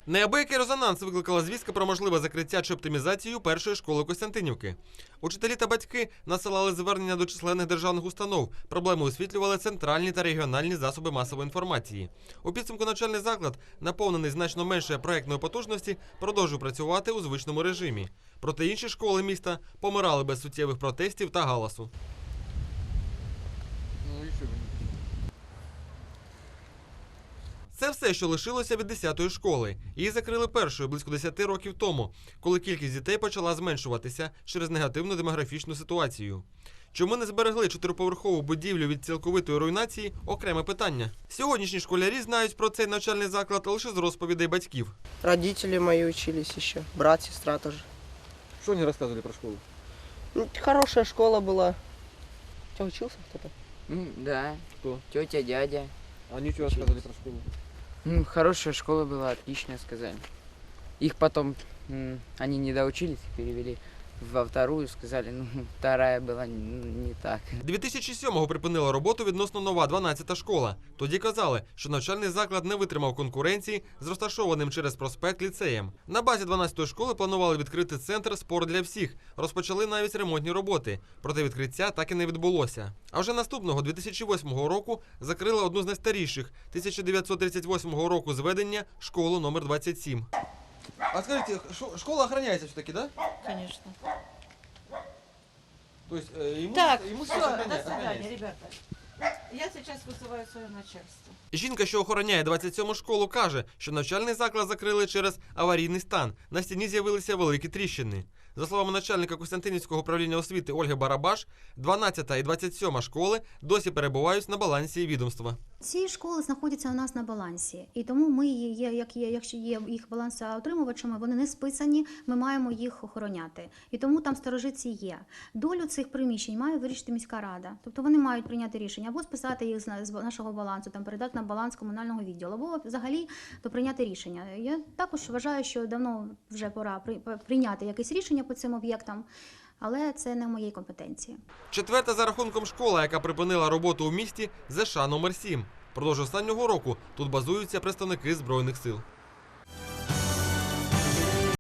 Неабиякий резонанс викликала звістка про можливе закриття чи оптимізацію першої школи Костянтинівки. Учителі та батьки насилали звернення до численних державних установ. Проблеми освітлювали центральні та регіональні засоби масової інформації. У підсумку навчальний заклад, наповнений значно менше проєктної потужності, продовжує працювати у звичному режимі. Проте інші школи міста помирали без суттєвих протестів та галасу. Це все, що лишилося від 10-ї школи. Її закрили першою близько 10 років тому, коли кількість дітей почала зменшуватися через негативну демографічну ситуацію. Чому не зберегли 4-поверхову будівлю від цілковитої руйнації – окреме питання. Сьогоднішні школярі знають про цей навчальний заклад лише з розповідей батьків. Родители мои учились еще, брат, сестра тоже. Что они рассказывали про школу? Хорошая школа была. У тебя учился кто-то? Да. Кто? Тетя, дядя. Они что рассказывали про школу? Хорошая школа была, отлично сказали. Их потом, они не доучились, перевели во вторую, сказали, вторая была не так. 2007-го припинила роботу відносно нова 12-та школа. Тоді казали, що навчальний заклад не витримав конкуренції з розташованим через проспект ліцеєм. На базі 12-ї школи планували відкрити центр «Спорт для всіх». Розпочали навіть ремонтні роботи. Проте відкриття так і не відбулося. А вже наступного, 2008 року, закрили одну з найстаріших, 1938 року зведення, школу номер 27. А скажите, школа охраняется все-таки, да? Конечно. То есть Так, имущество все, до охраняется? свидания, ребята. Я сейчас вызываю свое начальство. Жінка, що охороняє 27-му школу, каже, що навчальний заклад закрили через аварійний стан. На стіні з'явилися великі тріщини. За словами начальника Костянтинівського управління освіти Ольги Барабаш, 12-та і 27-ма школи досі перебувають на балансі відомства. Ці школи знаходяться у нас на балансі, і тому ми, якщо є їх балансоутримувачами, вони не списані, ми маємо їх охороняти. І тому там сторожиці є. Долю цих приміщень має вирішити міська рада. Тобто вони мають прийняти рішення або списати їх з нашого балансу, там передати на баланс комунального відділу, або взагалі то прийняти рішення. Я також вважаю, що давно вже пора прийняти якесь рішення по цим об'єктам, але це не в моїй компетенції. Четверта за рахунком школа, яка припинила роботу у місті, ЗШ номер 7. Продовж останнього року тут базуються представники Збройних сил.